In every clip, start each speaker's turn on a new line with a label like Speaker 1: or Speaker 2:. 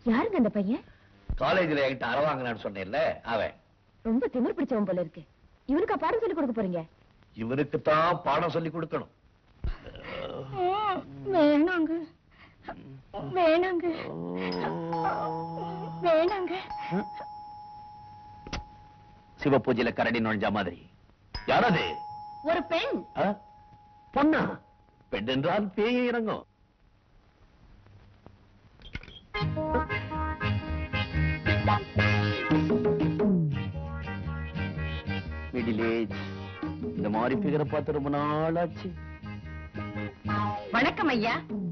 Speaker 1: யாருங்க அந்த பையன்?
Speaker 2: காலேஜ்ல என்கிட்ட அற வாங்கினான்னு சொன்னேன்ல அவன்.
Speaker 1: ரொம்ப திமிர் பிடிச்சவன் போல இருக்கு. இவனுக்கா பாடம் சொல்லி கொடுக்க போறீங்க?
Speaker 2: இவனுக்கு தான் பாடம் சொல்லி கொடுக்கணும்.
Speaker 1: வேணாங்க வேணாங்க வேணாங்க.
Speaker 2: சிவ பூஜையில கரடி நுழைஞ்ச மாதிரி. யாரது?
Speaker 1: ஒரு பெண்.
Speaker 2: பொண்ணா? பெண் என்றால் பேய் இறங்கும். Middle age. இந்த மாதிரி பிகரை பார்த்து ரொம்ப நாள் ஆச்சு.
Speaker 1: வணக்கம் ஐயா.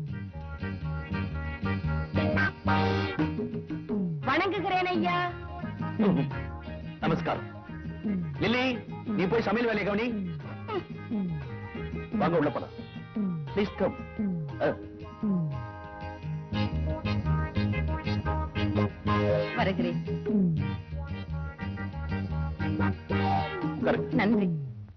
Speaker 1: வணங்குகிறேன் ஐயா.
Speaker 2: நமஸ்காரம். லில்லி, நீ போய் சமையல் வேலையை கவனி. வாங்க உள்ள போலாம். Please come.
Speaker 1: வருகிறேன்.
Speaker 2: கரெக்ட்.
Speaker 1: நன்றி.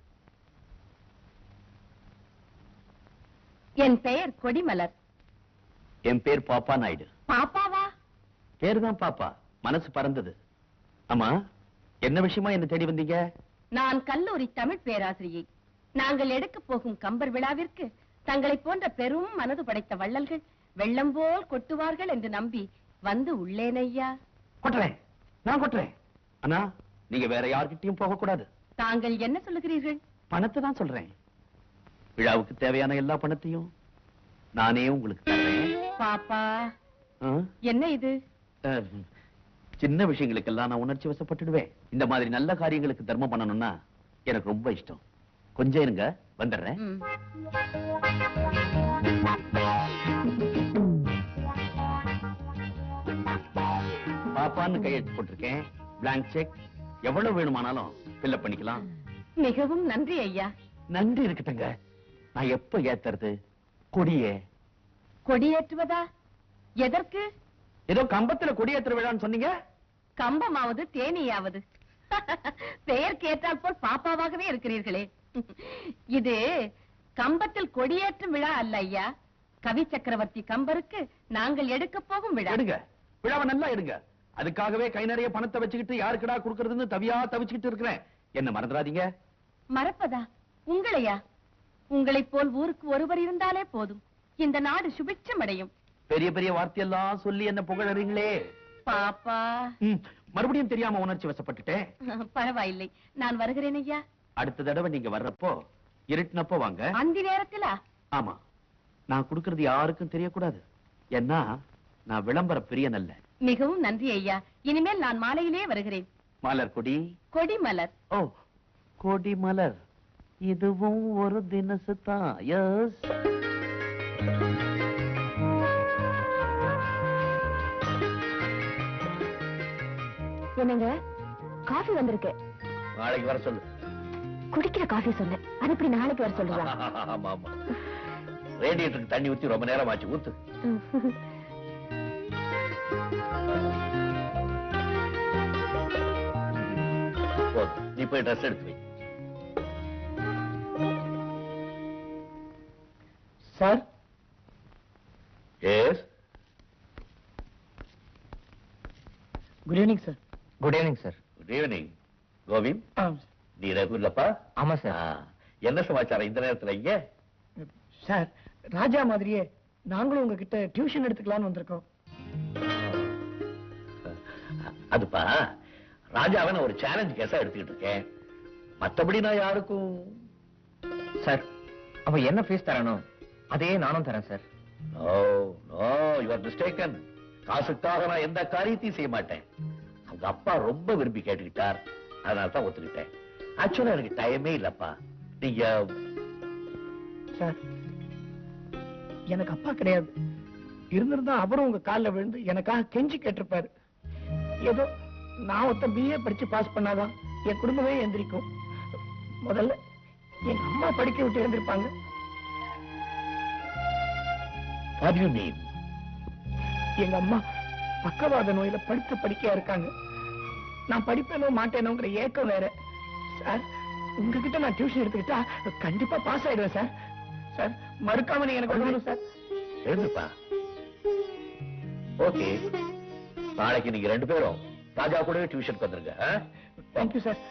Speaker 1: என் பெயர் கொடிமலர்.
Speaker 2: என் பேர் பாப்பா நாயுடு.
Speaker 1: பாப்பாவா?
Speaker 2: பேரு தான் பாப்பா, மனசு பறந்தது. ஆமா, என்ன விஷயமா என்ன தேடி வந்தீங்க?
Speaker 1: நான் கல்லூரி தமிழ் பேராசிரியை. நாங்கள் எடுக்க போகும் கம்பர் விழாவிற்கு தங்களை போன்ற பெரும் மனது படைத்த வள்ளல்கள் வெள்ளம் போல் கொட்டுவார்கள் என்று நம்பி வந்து உள்ளேன் ஐயா.
Speaker 2: கொட்டுறேன், நான் கொட்டுறேன். அண்ணா, நீங்க வேற யார்கிட்டயும் போக கூடாது.
Speaker 1: தாங்கள் என்ன சொல்லுகிறீர்கள்?
Speaker 2: பணத்தை தான் சொல்றேன். விழாவுக்கு தேவையான எல்லா பணத்தையும் நானே உங்களுக்கு தரேன்.
Speaker 1: பாப்பா, என்ன இது?
Speaker 2: சின்ன விஷயங்களுக்கெல்லாம் நான் உணர்ச்சி வசப்பட்டுடுவேன். இந்த மாதிரி நல்ல காரியங்களுக்கு தர்மம் பண்ணணும்னா எனக்கு ரொம்ப இஷ்டம். கொஞ்சம் இருங்க, வந்துடுறேன். பாப்பான்னு கையெழுத்து போட்டிருக்கேன். Blank cheque. எவ்வளவு வேணுமானாலும் ஃபில்அப் பண்ணிக்கலாம்.
Speaker 1: மிகவும் நன்றி ஐயா.
Speaker 2: நன்றி இருக்கட்டுங்க. நான் எப்ப ஏத்துறது கொடியே?
Speaker 1: கொடியேற்றுவதா? எதற்கு?
Speaker 2: ஏதோ கம்பத்துல கொடியேற்ற விழான்னு சொன்னீங்க.
Speaker 1: கம்பமாவது தேனியாவது பெயர் கேட்டால் போல் பாப்பாவாகவே இருக்கிறீர்களே. இது கம்பத்தில் கொடியேற்றும் விழா அல்ல ஐயா. கவி சக்கரவர்த்தி கம்பருக்கு நாங்கள் எடுக்க போகும் விழா.
Speaker 2: எடுங்க, விழாவை நல்லா எடுங்க. அதுக்காகவே கை நிறைய பணத்தை வச்சுக்கிட்டு யாருக்குடா கொடுக்கறதுன்னு தவிச்சுக்கிட்டு இருக்கிறேன். என்ன மறந்துடாதீங்க.
Speaker 1: மறப்பதா? உங்களையா? உங்களைப் போல் ஊருக்கு ஒருவர் இருந்தாலே போதும், இந்த நாடு சுபிட்சம் அடையும்.
Speaker 2: பெரிய பெரிய வார்த்தையெல்லாம் சொல்லி என்ன புகழறீங்களே.
Speaker 1: பாப்பா,
Speaker 2: மறுபடியும் தெரியாம உணர்ச்சி வசப்பட்டுட்டேன்.
Speaker 1: பரவாயில்லை, நான் வருகிறேன் ஐயா.
Speaker 2: அடுத்த தடவை நீங்க வர்றப்போ இருட்டினப்போ வாங்க.
Speaker 1: அந்த நேரத்திலா?
Speaker 2: ஆமா, நான் கொடுக்கறது யாருக்கும் தெரியக்கூடாது. ஏன்னா நான் விளம்பர பிரியன் அல்ல.
Speaker 1: மிகவும் நன்றி ஐயா. இனிமேல் நான் மாலையிலே வருகிறேன்.
Speaker 2: மலர் கொடி.
Speaker 1: கொடி மலர்.
Speaker 2: ஓ, கொடி மலர். இதுவும் ஒரு தினசு தான். எஸ்.
Speaker 1: என்னங்க, காஃபி வந்திருக்கு.
Speaker 2: நாளைக்கு வர சொல்லு.
Speaker 1: குடிக்கிற காஃபி சொல்லு. அது எப்படி நாளைக்கு வர சொல்லுவா?
Speaker 2: ஆமா ஆமா, ரேடியேட்டருக்கு தண்ணி ஊத்தி ரொம்ப நேரம் ஆச்சு. ஊத்து. நீ போய் ட்ரெஸ் எடுத்து வை.
Speaker 3: Sir.
Speaker 2: Yes.
Speaker 3: Good evening sir.
Speaker 4: Good evening sir.
Speaker 2: Good evening. Govind, நீ ரகுல்லப்பா?
Speaker 4: ஆமா சார்.
Speaker 2: என்ன சமாச்சாரம் இந்த நேரத்துல இங்க?
Speaker 3: சார், ராஜா மாதிரியே நாங்களும் உங்ககிட்ட டியூஷன் எடுத்துக்கலாம்னு வந்திருக்கோம்.
Speaker 2: அதுப்பா, ராஜாவை நான் ஒரு சேலஞ்ச் கேஸா எடுத்துக்கிட்டு இருக்கேன். மத்தபடி நான் யாருக்கும்.
Speaker 4: சார், அவன் என்ன ஃபீஸ் தரணும் அதே நானும் தரேன் sir.
Speaker 2: No no, you are mistaken. காசுக்காக நான் எந்த காரியத்தையும் செய்ய மாட்டேன். அவங்க அப்பா ரொம்ப விரும்பி கேட்டுக்கிட்டார், அதனால தான் ஒத்துக்கிட்டேன். ஆக்சுவலா எனக்கு டைமே இல்லப்பா. நீங்க.
Speaker 3: சார், எனக்கு அப்பா கிடையாது. இருந்திருந்தா அவரும் உங்க காலில் விழுந்து எனக்காக கெஞ்சி கேட்டிருப்பாரு. ஏதோ நான் ஒருத்த பிஏ படிச்சு பாஸ் பண்ணாதான் என் குடும்பமே எந்திரிக்கும். முதல்ல எங்க அம்மா படிக்க விட்டு எழுந்திருப்பாங்க.
Speaker 2: What do you mean?
Speaker 3: எங்க அம்மா பக்கவாத நோயில படுத்து படிக்கையா இருக்காங்க. நான் படிப்பேனோ மாட்டேனோங்கிற ஏக்கம் வேற. சார், உங்ககிட்ட நான் டியூஷன் எடுத்துக்கிட்டா கண்டிப்பா பாஸ் ஆயிடுவேன் சார். சார், மறுக்காம நீங்க எனக்கு சொல்லணும் சார்.
Speaker 2: எழுதுப்பா. ஓகே, நாளைக்கு நீங்க 2 பேரும் ராஜா கூடவே டியூஷனுக்கு வந்துருங்க.
Speaker 3: Thank you sir.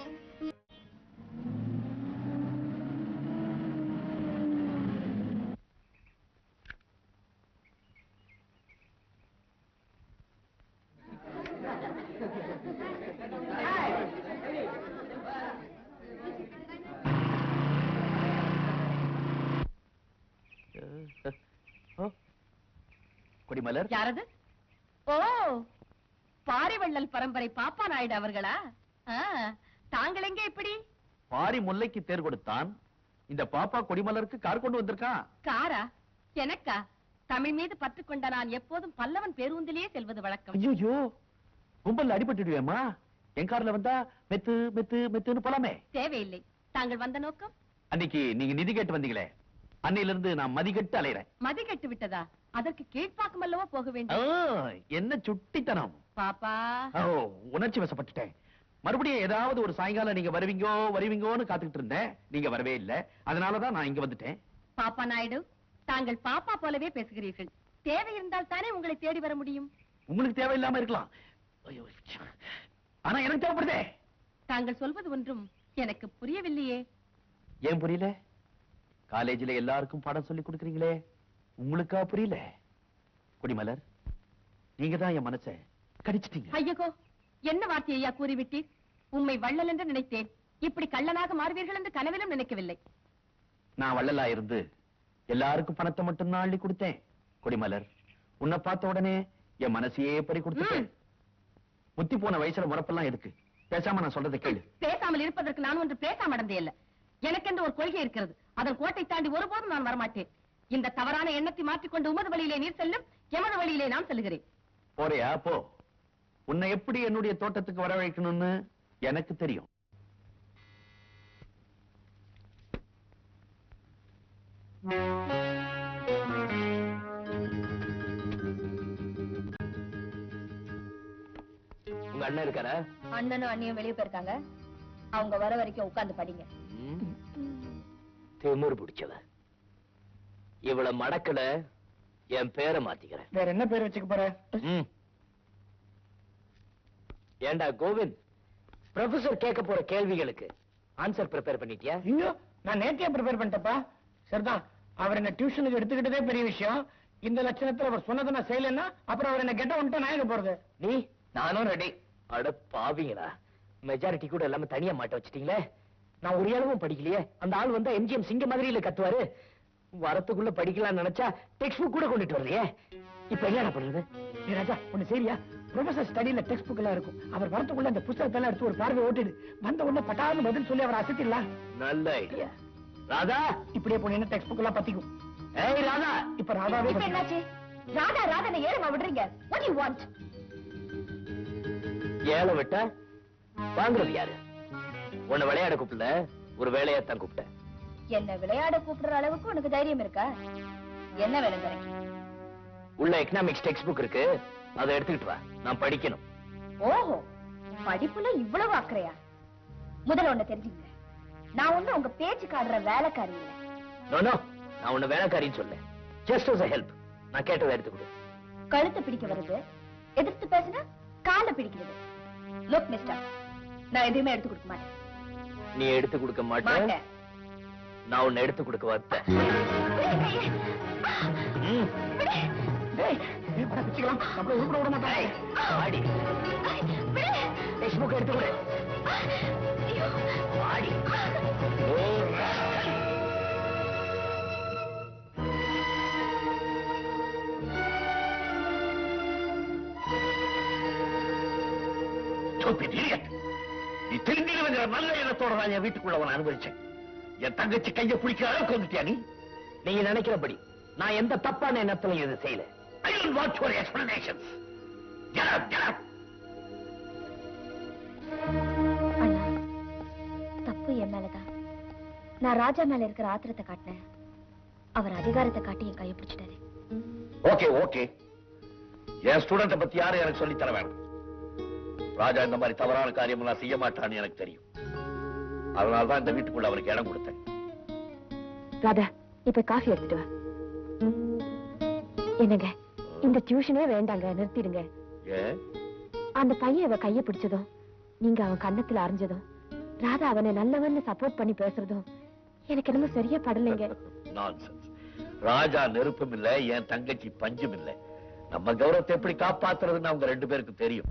Speaker 2: கொடிமலர்,
Speaker 1: யாரது? ஓ, பாரிவள்ளல் பரம்பரை பாப்பா நாயுடு அவர்களா? தாங்கள் எங்க இப்படி?
Speaker 2: பாரி முல்லைக்கு தேர் கொடுத்தான், இந்த பாப்பா கொடிமலருக்கு கார் கொண்டு வந்திருக்கான்.
Speaker 1: காரா? எனக்கா? தமிழ் மீது பற்று கொண்ட நான் எப்போதும் பல்லவன் பேருந்திலேயே செல்வது வழக்கம்.
Speaker 2: ஐயோ, கும்பல்ல அடிபட்டுடுவேமா? என் கார்ல வந்தா மெத்து மெத்து மெத்துன்னு போலாமே.
Speaker 1: தேவையில்லை. தாங்கள் வந்த நோக்கம்?
Speaker 2: அன்னைக்கு நீங்க நிதி கேட்டு வந்தீங்களே, அன்னையில இருந்து நான் மதிக்கட்டு அலையறேன்.
Speaker 1: மதி கட்டு விட்டதா? அதற்கு கீழ்ப்பாக்கம் அல்லவா போக வேண்டும்?
Speaker 2: என்ன சுட்டித்தனம்
Speaker 1: பாப்பா.
Speaker 2: உணர்ச்சி வசப்பட்டுட்டேன். மறுபடியும் ஏதாவது ஒரு சாயங்காலம் நீங்க வருவீங்கோன்னு காத்துக்கிட்டு இருந்தேன். நீங்க வரவே இல்ல, அதனாலதான் நான் இங்க வந்துட்டேன்.
Speaker 1: பாப்பா நாயுடு, தாங்கள் பாப்பா போலவே பேசுகிறீர்கள். தேவை இருந்தால் தானே உங்களை தேடி வர முடியும்.
Speaker 2: உங்களுக்கு தேவையில்லாம இருக்கலாம், ஆனா எனக்கு தேவைப்படுதே.
Speaker 1: தாங்கள் சொல்வது ஒன்றும் எனக்கு புரியவில்லையே.
Speaker 2: ஏன் புரியல? காலேஜில எல்லாருக்கும் பாடம் சொல்லி கொடுக்கறீங்களே, உங்களுக்கா புரியல? கொடிமலர், நீங்க தான் என் மனசை கடிச்சிட்டீங்க.
Speaker 1: ஐயோ, என்ன வார்த்தையா கூறிவிட்டீர்? உம்மை வள்ளல் என்று நினைத்தேன். இப்படி கள்ளனாக மாறுவீர்கள் என்று கனவிலும் நினைக்கவில்லை.
Speaker 2: நான் வள்ளலா இருந்து எல்லாருக்கும் பணத்தை மட்டும் தான் அள்ளி கொடுத்தேன். கொடிமலர், உன்னை பார்த்த உடனே என் மனசையே பறி கொடுத்துட்டேன். முத்தி போன வயசுல முறப்பெல்லாம் எதுக்கு? பேசாம நான் சொல்றதை கேளு.
Speaker 1: பேசாமல் இருப்பதற்கு நான் ஒன்று பேசாம அடந்தே இல்ல. எனக்கென்று ஒரு கொள்கை இருக்கிறது. அதன் கோட்டை தாண்டி ஒருபோதும் நான் வரமாட்டேன். இந்த தவறான எண்ணத்தை மாற்றிக்கொண்டு உமது வழியிலே நீர் செல்லும், எமது வழியிலே நான் செல்கிறேன்.
Speaker 2: போறியா? போ. உன்னை எப்படி என்னுடைய தோட்டத்துக்கு வரவழைக்கணும்னு எனக்கு தெரியும். உங்க அண்ணன் இருக்காரா?
Speaker 1: அண்ணனும் அண்ணியும் வெளியே போயிருக்காங்க. அவங்க வர வரைக்கும் உட்கார்ந்து படிங்க.
Speaker 2: திமிரு பிடிச்சவ. இவ்வளவு மடக்கல, என் பேரை மாத்திக்கிறேன்.
Speaker 3: வேற என்ன பேர் வச்சுக்க போற?
Speaker 2: ஏண்டா கோவிந்த், ப்ரொஃபசர் கேட்க போற கேள்விகளுக்கு ஆன்சர் ப்ரிப்பேர் பண்ணிட்டியா?
Speaker 3: ஐயோ, நான் நேத்தியா ப்ரிப்பேர் பண்ணிட்டப்பா. சரிதான், அவர் என்ன டியூஷனுக்கு எடுத்துக்கிட்டதே பெரிய விஷயம். இந்த லட்சணத்துல அவர் சொன்னதை நான் செய்யலன்னா அப்புறம் அவர் என்ன கெட்ட வந்துட்டு நான் எங்க போறது?
Speaker 2: நீ நானும் ரெடி. அட பாவிங்களா, மெஜாரிட்டி கூட எல்லாமே தனியா மாட்ட வச்சிட்டீங்களே. நான் ஒரு அளவும் படிக்கலையே. அந்த ஆள் வந்தா எம்ஜிஎம் சிங்க மாதிரி இல்ல கத்துவாரு. வரத்துக்குள்ள படிக்கலாம்னு நினைச்சா டெக்ஸ்ட் புக் கூட கொண்டுட்டு வரலையே. இப்ப என்ன பண்றது?
Speaker 3: ராஜா, ஒண்ணு சரியா? ப்ரொஃபசர் ஸ்டடியில டெக்ஸ்ட் புக் எல்லாம் இருக்கும். அவர் வரத்துக்குள்ள அந்த புத்தகத்தை எல்லாம் எடுத்து ஒரு பார்வை ஓட்டிடு. வந்த உடனே பட்டாலும் பதில் சொல்லி அவர் அசத்திடலாம்.
Speaker 2: நல்ல ஐடியா. ராதா,
Speaker 3: இப்படியே போனீங்கன்னா டெக்ஸ்ட் புக் எல்லாம் பத்திக்கும்.
Speaker 2: ஏய் ராதா,
Speaker 3: இப்ப ராதாவே
Speaker 1: என்னாச்சு? ராதா ராதா ஏறமா விடுறீங்க? What do you want?
Speaker 2: ஏழை விட்டா வாங்குறது யாரு? உன்னை விளையாட கூப்பிடல, ஒரு வேலையாத்தான் கூப்பிட்டேன்.
Speaker 1: என்ன விளையாட கூப்பிடுற அளவுக்கு உனக்கு தைரியம் இருக்கா? என்ன வேலை தரேன்?
Speaker 2: உள்ள எக்கனாமிக்ஸ் டெக்ஸ்ட் புக் இருக்கு, அதை எடுத்துக்கிட்டு வா, நான் படிக்கணும்.
Speaker 1: ஓஹோ, படிப்புல இவ்வளவு அக்கறையா? முதல்ல ஒண்ணு தெரிஞ்சுங்க, நான் ஒண்ணு உங்க பேச்சு காடுற வேலைக்காரி இல்ல.
Speaker 2: நோ நோ, நான் உன்னை வேலைக்காரின்னு சொல்ல. ஜஸ்ட் as a help, நான் கேட்டதை எடுத்துக்கிடு.
Speaker 1: கழுத்தை பிடிக்க வருது, எதிர்த்து பேசினா காலை பிடிக்கிறது. லுக் மிஸ்டர், நான் எதுவுமே எடுத்து கொடுக்க மாட்டேன்.
Speaker 2: நீ எடுத்து கொடுக்க மாட்டேன், நான் உன்னை எடுத்து கொடுக்க வந்தேன்.
Speaker 3: நம்மள உருப்பட விட மாட்டாங்க.
Speaker 2: ஆடி டெக்ஸ்ட் புக் எடுத்து கொடு. ஆடி நீ தெரிஞ்சிருவங்கிற நல்ல எண்ணத்தோட நான் என் வீட்டுக்குள்ள உன அனுபவிச்சேன். என் தங்கச்சி கையை பிடிக்கிற அளவுக்கு வந்துட்டியா நீ? நீங்க நினைக்கிறபடி நான் எந்த தப்பான எண்ணத்திலையும் இது செய்யல. I don't want your explanations. Get up, get up.
Speaker 5: அண்ணா, தப்பு என் மேலதான். நான் ராஜா மேல இருக்கிற ஆத்திரத்தை காட்டினேன். அவர் அதிகாரத்தை காட்டி என் கையை பிடிச்சிட்டாரு.
Speaker 2: ஓகே ஓகே, என் ஸ்டூடெண்ட பத்தி யாரும் எனக்கு சொல்லி தர வேணும். ராஜா இந்த மாதிரி தவறான காரியம் எல்லாம் செய்ய மாட்டான்னு எனக்கு தெரியும். அதனால்தான் இந்த வீட்டுக்குள்ள அவருக்கு இடம் கொடுத்தேன்.
Speaker 5: ராதா, இப்ப காஃபி எடுத்துட்டு வா. என்னங்க, இந்த டியூஷனே வேண்டாங்க, நிறுத்திடுங்க. அந்த பையன் அவ கைய பிடிச்சதும் நீங்க அவன் கண்ணத்துல அரைஞ்சதும் ராதா அவனை நல்லவன்னு சப்போர்ட் பண்ணி பேசுறதும் எனக்கு என்னமோ சரியா படலைங்க.
Speaker 2: நான்சென்ஸ். ராஜா நெருப்பும் இல்ல, என் தங்கச்சி பஞ்சும் இல்ல. நம்ம கௌரவத்தை எப்படி காப்பாத்துறதுன்னு அவங்க 2 பேருக்கும் தெரியும்.